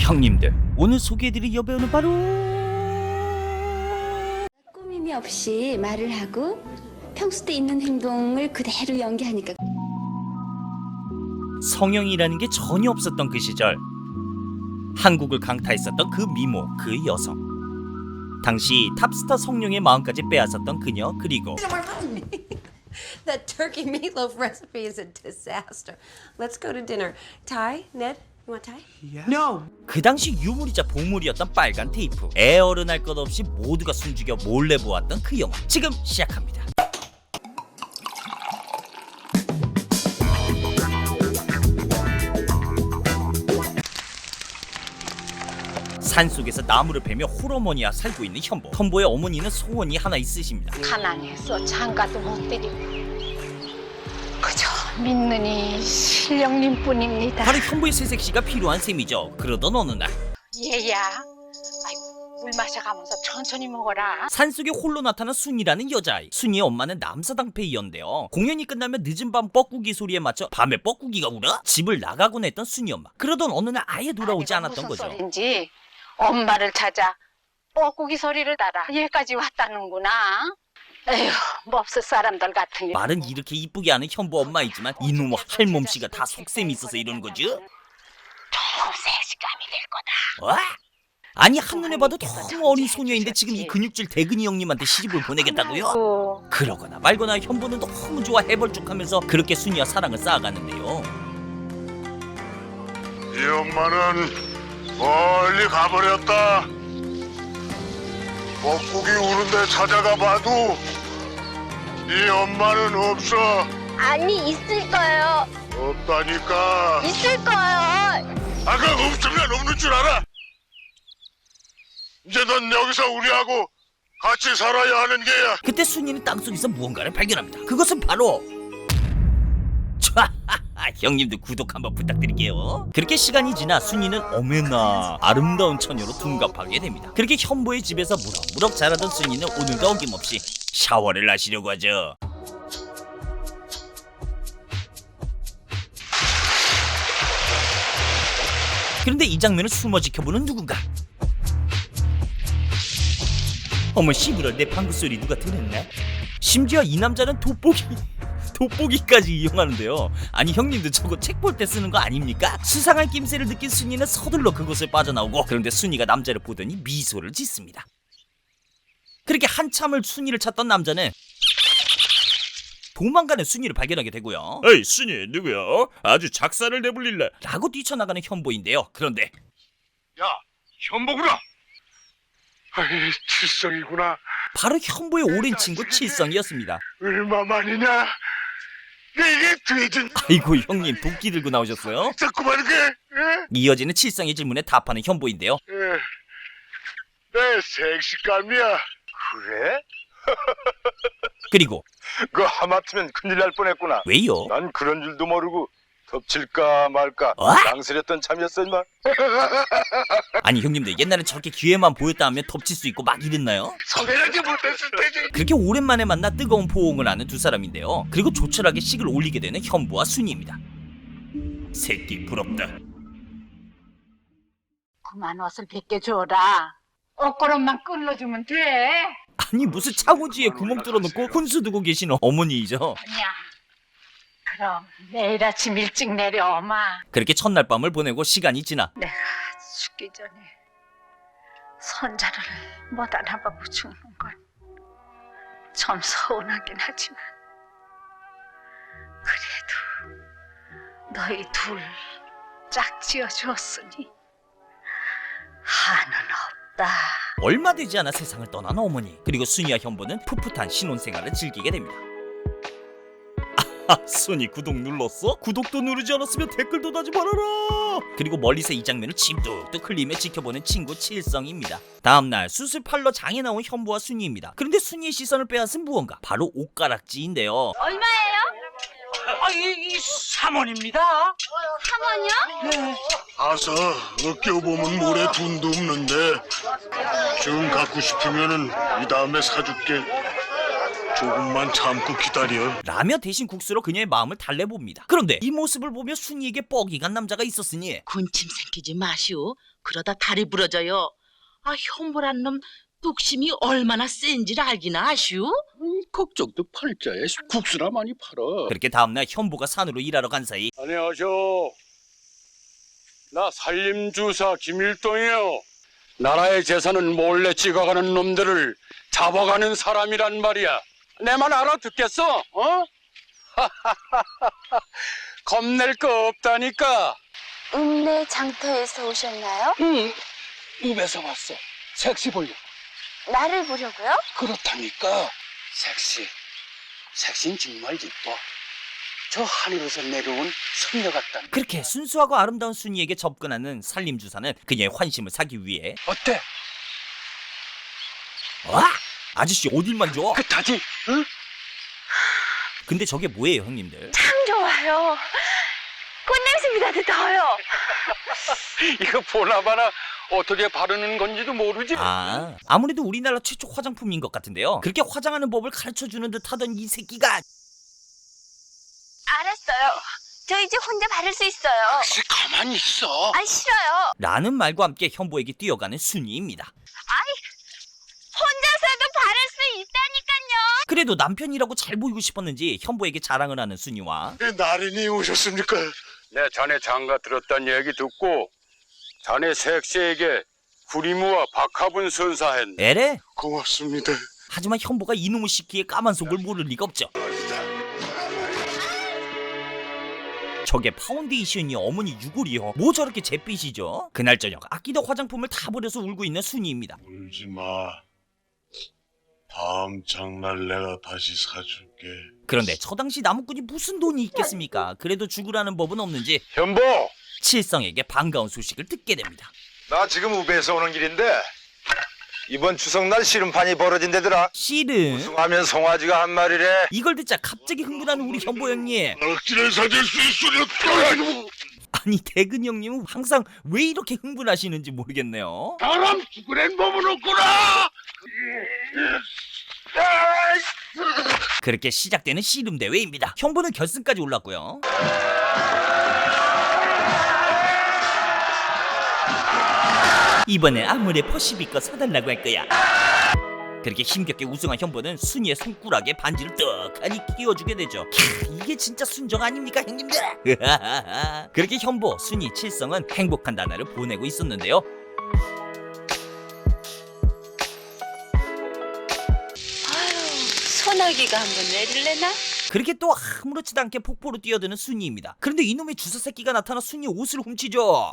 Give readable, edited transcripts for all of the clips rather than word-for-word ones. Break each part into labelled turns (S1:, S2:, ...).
S1: 형님들, 오늘 소개해드릴 여배우는 바로
S2: 꾸밈이 없이 말을 하고 평소 때 있는 행동을 그대로 연기하니까
S1: 성형이라는 게 전혀 없었던 그 시절, 한국을 강타했었던 그 미모, 그 여성, 당시 탑스타 성룡의 마음까지 빼앗았던 그녀, 그리고
S3: That turkey meatloaf recipe is a disaster. Let's go to dinner. Ty, Ned, you want Ty?
S4: No.
S1: 그 당시 유물이자 보물이었던 빨간 테이프. 애어른할 것 없이 모두가 숨죽여 몰래 보았던 그 영화, 지금 시작합니다. 산속에서 나무를 베며 홀어머니와 살고 있는 현보. 현보의 어머니는 소원이 하나 있으십니다.
S5: 가난해서 장가도 못 드리고 그저 믿는 이 신령님뿐입니다.
S1: 바로 현보의 새색시가 필요한 셈이죠. 그러던 어느 날
S5: 얘야, 아이고, 물 마셔가면서 천천히 먹어라.
S1: 산속에 홀로 나타난 순이라는 여자아이. 순이의 엄마는 남사당패이었는데요. 공연이 끝나면 늦은 밤 뻐꾸기 소리에 맞춰 밤에 뻐꾸기가 울어 집을 나가곤 했던 순이 엄마. 그러던 어느 날 아예 돌아오지
S5: 아내가
S1: 않았던
S5: 무슨
S1: 거죠.
S5: 소린지 엄마를 찾아 뻐꾸기 소리를 달아 얘까지 왔다는구나. 에휴, 몹쓸 사람들 같으니.
S1: 말은 이렇게 이쁘게 하는 현보 엄마이지만 이놈의 할멈씨가 다 속셈이 있어서 이러는 거죠.
S5: 좀 세시감이 될 거다.
S1: 와? 아니 한눈에 봐도 너무 어린 소녀인데 지금 이 근육질 대근이 형님한테 시집을 보내겠다고요? 그러거나 말거나 현보는 너무 좋아 해벌쭉하면서 그렇게 순이와 사랑을 쌓아가는데요.
S6: 이 엄마는 멀리 가버렸다. 뻐꾸기 우는데 찾아가 봐도 이 엄마는 없어.
S7: 아니, 있을 거예요.
S6: 없다니까.
S7: 있을 거예요.
S6: 아까 없으면 없는 줄 알아. 이제 넌 여기서 우리하고 같이 살아야 하는 게야.
S1: 그때 순이는 땅속에서 무언가를 발견합니다. 그것은 바로 형님들 구독 한번 부탁드릴게요. 그렇게 시간이 지나 순이는 어메나 아름다운 처녀로 둔갑하게 됩니다. 그렇게 현보의 집에서 무럭무럭 자라던 순이는 오늘도 어김없이 샤워를 하시려고 하죠. 그런데 이 장면을 숨어 지켜보는 누군가. 어머 씨부럴, 내 방구 소리 누가 들었나? 심지어 이 남자는 돋보기까지 이용하는데요. 아니 형님도 저거 책 볼 때 쓰는 거 아닙니까? 수상한 낌새를 느낀 순이는 서둘러 그곳을 빠져나오고, 그런데 순이가 남자를 보더니 미소를 짓습니다. 그렇게 한참을 순이를 찾던 남자는 도망가는 순이를 발견하게 되고요.
S8: 에이 순이 누구야? 아주 작사를 내불릴래.
S1: 라고 뛰쳐나가는 현보인데요. 그런데
S6: 야, 현보구나. 아이, 칠성이구나.
S1: 바로 현보의 오랜 친구 칠성이었습니다.
S6: 얼마만이냐? 이게 돼진.
S1: 아이고 형님, 도끼 들고 나오셨어요?
S6: 자꾸만 게.
S1: 이어지는 칠성의 질문에 답하는 현보인데요.
S6: 내 색시감이야. 그래?
S1: 그리고
S9: 그 하마터면 큰일 날 뻔했구나.
S1: 왜요?
S9: 난 그런 줄도 모르고 덮칠까 말까 망설였던 참이었어 임마.
S1: 아니 형님들, 옛날엔 저렇게 기회만 보였다 하면 덮칠 수 있고 막 이랬나요?
S6: 소개하지 못했을 때지.
S1: 그렇게 오랜만에 만나 뜨거운 포옹을 하는 두 사람인데요. 그리고 조촐하게 식을 올리게 되는 현보와 순이입니다. 새끼 부럽다.
S5: 그만 옷을 벗겨줘라. 옷걸음만 끌어주면 돼.
S1: 아니 무슨 창호지에 구멍 뚫어놓고 혼수 두고 계시는 어머니이죠.
S5: 아니야. 그럼 내일 아침 일찍 내려 엄마.
S1: 그렇게 첫날 밤을 보내고 시간이 지나
S5: 내가 죽기 전에 손자를 못 알아보고 죽는 건 좀 서운하긴 하지만 그래도 너희 둘 짝지어 주었으니 한은 없다.
S1: 얼마 되지 않아 세상을 떠난 어머니. 그리고 순이와 현보는 풋풋한 신혼생활을 즐기게 됩니다. 순이 구독 눌렀어? 구독도 누르지 않았으면 댓글도 다지 말아라. 그리고 멀리서 이 장면을 침 뚝뚝 흘리며 지켜보는 친구 칠성입니다. 다음날 수술 팔러 장에 나온 현보와 순이입니다. 그런데 순이의 시선을 빼앗은 무언가, 바로 옷가락지인데요.
S7: 얼마예요?
S4: 이 3원입니다.
S7: 3원이요?
S6: 가서 어깨보면 모래 돈도 없는데 좀 갖고 싶으면은 이 다음에 사줄게. 조금만 참고 기다려.
S1: 라며 대신 국수로 그녀의 마음을 달래봅니다. 그런데 이 모습을 보며 순이에게 뻑이 간 남자가 있었으니
S10: 군침 삼키지 마시오. 그러다 다리 부러져요. 아, 현보란 놈 뚝심이 얼마나 센지를 알기나 아시오?
S9: 걱정도 팔자에 국수나 많이 팔아.
S1: 그렇게 다음날 현보가 산으로 일하러 간 사이
S9: 안녕하쇼. 나 산림주사 김일동이요. 나라의 재산은 몰래 찍어가는 놈들을 잡아가는 사람이란 말이야. 내 말 알아듣겠어? 어? 겁낼 거 없다니까.
S7: 읍내 장터에서 오셨나요?
S9: 응, 입에서 왔어. 섹시 보려.
S7: 나를 보려고요?
S9: 그렇다니까. 섹시는 정말 이뻐. 저 하늘에서 내려온 선녀 같다.
S1: 그렇게 순수하고 아름다운 순이에게 접근하는 산림주사는 그녀의 환심을 사기 위해
S9: 어때?
S1: 와! 아저씨 어딜만 줘?
S9: 끝하지? 응?
S1: 근데 저게 뭐예요 형님들?
S7: 참 좋아요. 꽃냄새보다도 더요.
S9: 이거 보나마나 어떻게 바르는 건지도 모르지.
S1: 아무래도 우리나라 최초 화장품인 것 같은데요. 그렇게 화장하는 법을 가르쳐주는 듯 하던 이 새끼가
S7: 알았어요. 저 이제 혼자 바를 수 있어요.
S9: 혹시 가만히 있어.
S7: 아, 싫어요.
S1: 라는 말과 함께 현보에게 뛰어가는 순이입니다.
S7: 혼자서도 바를 수 있다니까요.
S1: 그래도 남편이라고 잘 보이고 싶었는지 현보에게 자랑을 하는 순이와
S6: 나린이 오셨습니까?
S9: 내 자네 장가 들었단 얘기 듣고 자네 섹시에게 구리무와 박합은 선사했네.
S1: 에레?
S6: 고맙습니다.
S1: 하지만 현보가 이놈의 시키의 까만 속을 모를 리가 없죠. 저게 파운데이션이 어머니 유골이요. 뭐 저렇게 잿빛이죠? 그날 저녁 아끼던 화장품을 다 버려서 울고 있는 순이입니다.
S6: 울지 마. 다음 장날 내가 다시 사줄게.
S1: 그런데 저 당시 나무꾼이 무슨 돈이 있겠습니까? 그래도 죽으라는 법은 없는지
S9: 현보,
S1: 칠성에게 반가운 소식을 듣게 됩니다.
S11: 나 지금 우베에서 오는 길인데 이번 추석날 씨름판이 벌어진대더라.
S1: 씨름?
S11: 우승하면 송아지가 한 마리래.
S1: 이걸 듣자 갑자기 흥분하는 우리 현보 형님.
S6: 억지를 사줄 수 있으려.
S1: 아니 대근 형님은 항상 왜 이렇게 흥분하시는지 모르겠네요.
S6: 사람 죽으란 법은 없구나.
S1: 그렇게 시작되는 씨름 대회입니다. 현보는 결승까지 올랐고요. 이번에 아무래 퍼시비꺼 사달라고 할 거야. 그렇게 힘겹게 우승한 현보는 순이의 손가락에 반지를 떡하니 끼워주게 되죠. 이게 진짜 순정 아닙니까 형님들? 그렇게 현보, 순이, 칠성은 행복한 나날을 보내고 있었는데요.
S7: 소나기가 한번 내릴래나?
S1: 그렇게 또 아무렇지도 않게 폭포로 뛰어드는 순이입니다. 그런데 이놈의 주사 새끼가 나타나 순이 옷을 훔치죠.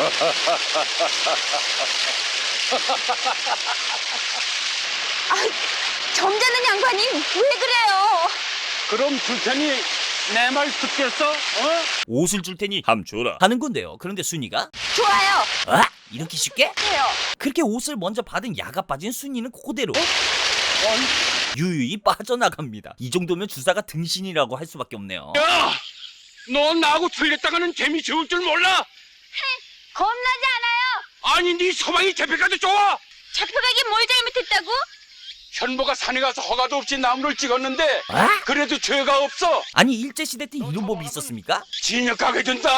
S7: 점잖은 양반이 왜 그래요?
S9: 그럼 줄 테니 내 말 듣겠어? 어?
S1: 옷을 줄 테니
S8: 함 줘라.
S1: 하는 건데요. 그런데 순이가
S7: 좋아요.
S1: 이렇게 쉽게?
S7: 해요.
S1: 그렇게 옷을 먼저 받은 야가 빠진 순이는 그대로 유유히 빠져나갑니다. 이 정도면 주사가 등신이라고 할 수밖에 없네요.
S9: 야, 너 나하고 틀렸다가는 재미 좋을 줄 몰라.
S7: 겁나지 않아요.
S9: 아니 네 서방이 잡혀가도 좋아.
S7: 잡혀가긴 뭘 잘못했다고?
S9: 현보가 산에 가서 허가도 없이 나무를 찍었는데 그래도 죄가 없어.
S1: 아니 일제시대 때 이런 법이 있었습니까?
S9: 징역 가게 된다.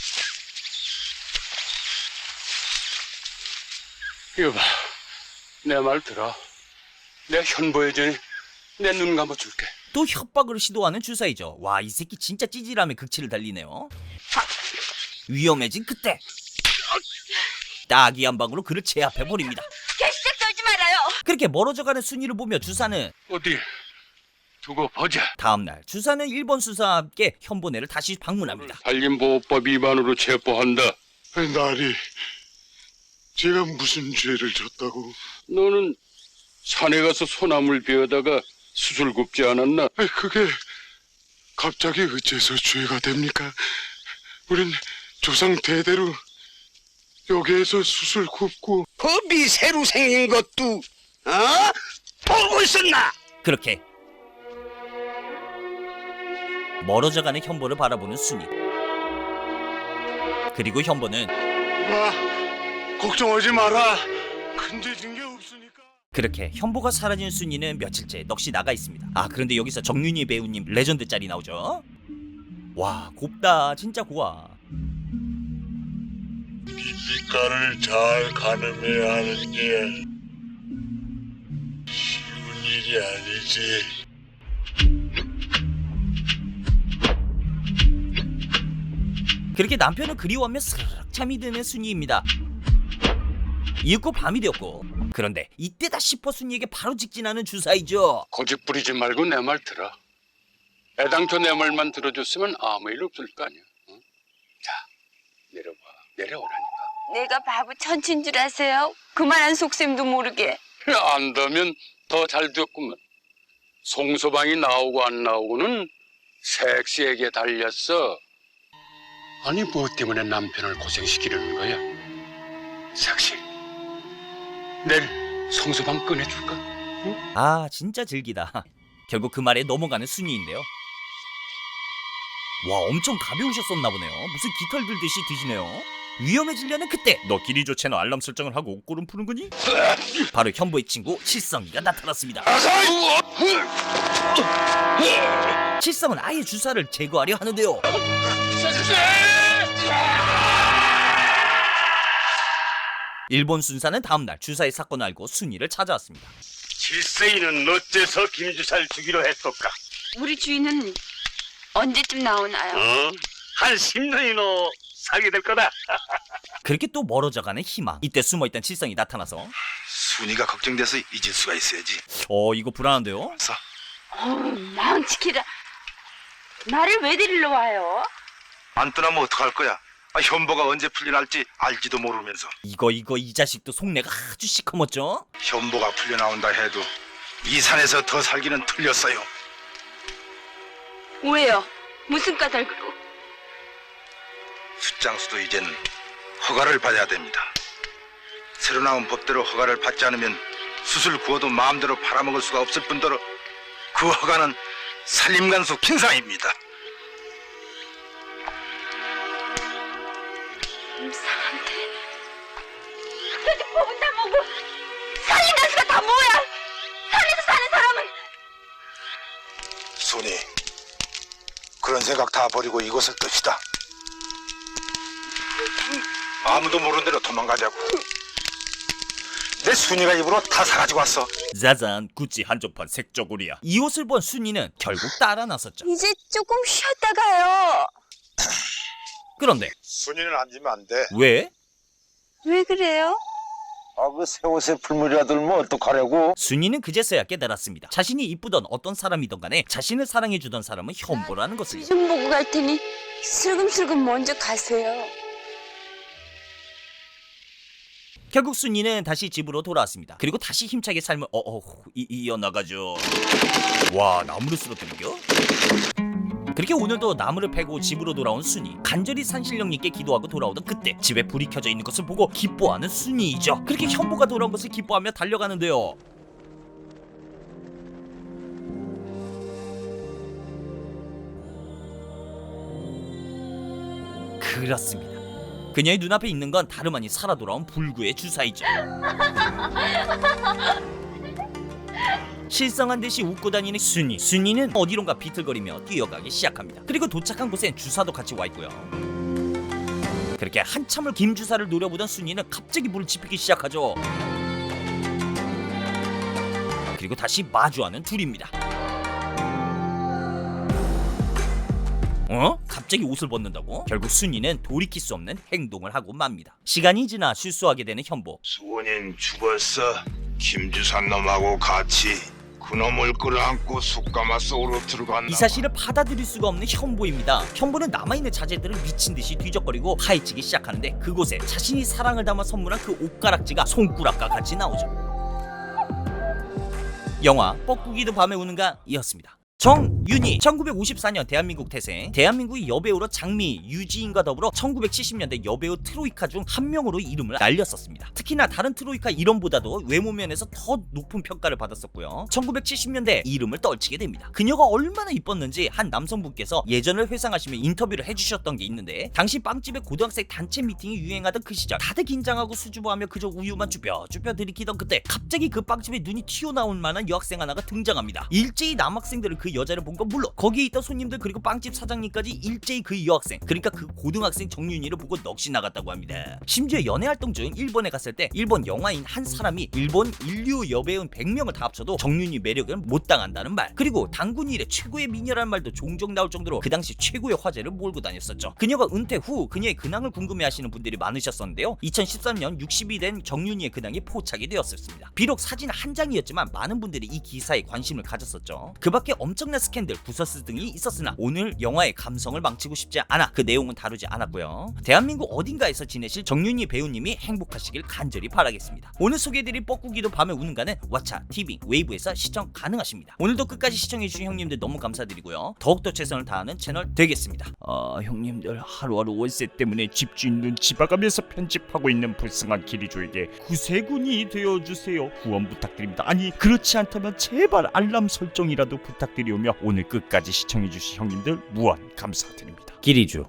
S9: 이거 봐, 내 말 들어. 내 현보에 전에 내 눈 감아줄게.
S1: 또 협박을 시도하는 주사이죠. 와, 이 새끼 진짜 찌질함에 극치를 달리네요. 위험해진 그때 따기 한 방으로 그를 제압해버립니다.
S7: 개수작 떨지 말아요.
S1: 그렇게 멀어져가는 순이를 보며 주사는
S9: 어디 두고 보자.
S1: 다음날 주사는 일본 수사와 함께 현보네를 다시 방문합니다.
S9: 산림보호법 위반으로 체포한다.
S6: 나리, 제가 무슨 죄를 졌다고?
S9: 너는 산에 가서 소나무를 베어다가 수술 굽지 않았나?
S6: 그게 갑자기 어째서 죄가 됩니까? 우린 조상 대대로 여기에서 수술 굽고.
S11: 법이 새로 생긴 것도 보고 있었나?
S1: 그렇게 멀어져가는 현보를 바라보는 순이. 그리고 현보는
S6: 걱정하지 마라. 큰죄 진 게 없으니까.
S1: 그렇게 현보가 사라진 순이는 며칠째 넋이 나가 있습니다. 아 그런데 여기서 정윤희 배우님 레전드 짤이 나오죠. 와 곱다 진짜 고와.
S6: 빛깔을 잘 가늠해야 하는 게 쉬운 일이 아니지.
S1: 그렇게 남편을 그리워하며 스르륵 잠이 드는 순이입니다. 이윽고 밤이 되었고 그런데 이때다 싶어 순이에게 바로 직진하는 주사이죠.
S9: 고집 부리지 말고 내 말 들어. 애당초 내 말만 들어줬으면 아무 일 없을 거 아니야. 응? 자, 내려봐. 내려오라니까.
S7: 내가 바보 천친 줄 아세요? 그만한 속셈도 모르게.
S9: 안다면 더 잘 됐구만. 송서방이 나오고 안 나오고는 섹시에게 달렸어. 아니 뭐 때문에 남편을 고생시키려는 거야? 섹시, 내일 송서방 꺼내줄까?
S1: 아 진짜 즐기다. 결국 그 말에 넘어가는 순이인데요. 와 엄청 가벼우셨었나 보네요. 무슨 깃털 들듯이 드시네요. 위험해지려는 그때
S8: 너 기리조 채널 알람 설정을 하고 옷고름 푸는 거니?
S1: 바로 현보의 친구 칠성이가 나타났습니다. 칠성은 아예 주사를 제거하려 하는데요. 일본 순사는 다음날 주사의 사건을 알고 순이를 찾아왔습니다.
S6: 칠세이는 어째서 김주사를 주기로 했을까?
S7: 우리 주인은 언제쯤 나오나요?
S6: 한 10년이나 살게 될 거다.
S1: 그렇게 또 멀어져가는 희망. 이때 숨어있던 칠성이 나타나서
S11: 순이가 걱정돼서 잊을 수가 있어야지.
S1: 이거 불안한데요?
S7: 망치키라. 나를 왜 데리러 와요?
S11: 안 떠나면 어떡할 거야? 현보가 언제 풀려날지 알지도 모르면서.
S1: 이거 이 자식도 속내가 아주 시커멓죠?
S11: 현보가 풀려나온다 해도 이 산에서 더 살기는 틀렸어요.
S7: 왜요? 무슨 까닭으로?
S11: 숫장수도 이젠 허가를 받아야 됩니다. 새로 나온 법대로 허가를 받지 않으면 숯을 구워도 마음대로 팔아먹을 수가 없을 뿐더러 그 허가는 산림간수 kin상입니다.
S7: 이상한데. 도대체 법은 다 뭐고 살인간수가 다 뭐야? 산에서 사는 사람은
S11: 순이, 그런 생각 다 버리고 이곳을 뜹시다. 아무도 모르는 대로 도망가자고. 내 순이가 입으로 다 사가지고 왔어.
S1: 짜잔
S8: 구찌 한정판 색저고리야.
S1: 이 옷을 본 순이는 결국 따라 나섰죠.
S7: 이제 조금 쉬었다 가요.
S1: 그런데
S11: 순이는 앉으면 안 돼.
S1: 왜?
S7: 왜 그래요?
S11: 그 새 옷에 풀물이라 들면 어떡하려고?
S1: 순이는 그제서야 깨달았습니다. 자신이 이쁘던 어떤 사람이던 간에 자신을 사랑해주던 사람은 현보라는 것을.
S7: 좀 보고 갈 테니 슬금슬금 먼저 가세요.
S1: 결국 순이는 다시 집으로 돌아왔습니다. 그리고 다시 힘차게 삶을 이어나가죠. 와 나무를 쓰러뜨리겨? 그렇게 오늘도 나무를 패고 집으로 돌아온 순이. 간절히 산신령님께 기도하고 돌아오던 그때 집에 불이 켜져 있는 것을 보고 기뻐하는 순이이죠. 그렇게 현보가 돌아온 것을 기뻐하며 달려가는데요. 그렇습니다. 그녀의 눈앞에 있는 건 다름 아닌 살아 돌아온 불구의 주사이죠. 실성한 듯이 웃고 다니는 순이. 순이는 어디론가 비틀거리며 뛰어가기 시작합니다. 그리고 도착한 곳엔 주사도 같이 와 있고요. 그렇게 한참을 김주사를 노려보던 순이는 갑자기 물을 지피기 시작하죠. 그리고 다시 마주하는 둘입니다. 갑자기 옷을 벗는다고? 결국 순이는 돌이킬 수 없는 행동을 하고 맙니다. 시간이 지나 실수하게 되는 현보.
S6: 수원인 죽었어. 김주산 놈하고 같이 그놈을 끌어안고 숯가마 속으로 들어간다.
S1: 이 사실을 받아들일 수가 없는 현보입니다. 현보는 남아있는 자재들을 미친듯이 뒤적거리고 파헤치기 시작하는데 그곳에 자신이 사랑을 담아 선물한 그 옷가락지가 손가락과 같이 나오죠. 영화 뻐꾸기도 밤에 우는가 이었습니다. 정윤희 1954년 대한민국 태생. 대한민국의 여배우로 장미, 유지인과 더불어 1970년대 여배우 트로이카 중 한 명으로 이름을 날렸었습니다. 특히나 다른 트로이카 이름보다도 외모 면에서 더 높은 평가를 받았었고요. 1970년대 이름을 떨치게 됩니다. 그녀가 얼마나 이뻤는지 한 남성분께서 예전을 회상하시며 인터뷰를 해주셨던 게 있는데, 당시 빵집의 고등학생 단체 미팅이 유행하던 그 시절 다들 긴장하고 수줍어하며 그저 우유만 쭈뼛쭈뼛 들이키던 그때 갑자기 그 빵집에 눈이 튀어나올 만한 여학생 하나가 등장합니다. 일제히 남학생들은 그 여자를 본 건 물론 거기에 있던 손님들 그리고 빵집 사장님까지 일제히 그 여학생, 그러니까 그 고등학생 정윤희를 보고 넋이 나갔다고 합니다. 심지어 연애활동 중 일본에 갔을 때 일본 영화인 한 사람이 일본 인류 여배우 100명을 다 합쳐도 정윤희 매력은 못 당한다는 말, 그리고 당군 이래 최고의 미녀라는 말도 종종 나올 정도로 그 당시 최고의 화제를 몰고 다녔었죠. 그녀가 은퇴 후 그녀의 근황을 궁금해하시는 분들이 많으셨었는데요. 2013년 60이 된 정윤희의 근황이 포착이 되었습니다. 비록 사진 한 장이었지만 많은 분들이 이 기사에 관심을 가졌었죠. 그 밖에 엄청난 스캔들, 구설수 등이 있었으나 오늘 영화의 감성을 망치고 싶지 않아 그 내용은 다루지 않았고요. 대한민국 어딘가에서 지내실 정윤희 배우님이 행복하시길 간절히 바라겠습니다. 오늘 소개해드린 뻐꾸기도 밤에 우는가는 왓챠, TV, 웨이브에서 시청 가능하십니다. 오늘도 끝까지 시청해주신 형님들 너무 감사드리고요. 더욱더 최선을 다하는 채널 되겠습니다. 형님들 하루하루 월세 때문에 집주인 눈치 봐가면서 편집하고 있는 불쌍한 기리조에게 구세군이 되어주세요. 후원 부탁드립니다. 아니 그렇지 않다면 제발 알람 설정이라도 부탁드리오며 오늘 끝까지 시청해주신 형님들 무한 감사드립니다. 기리주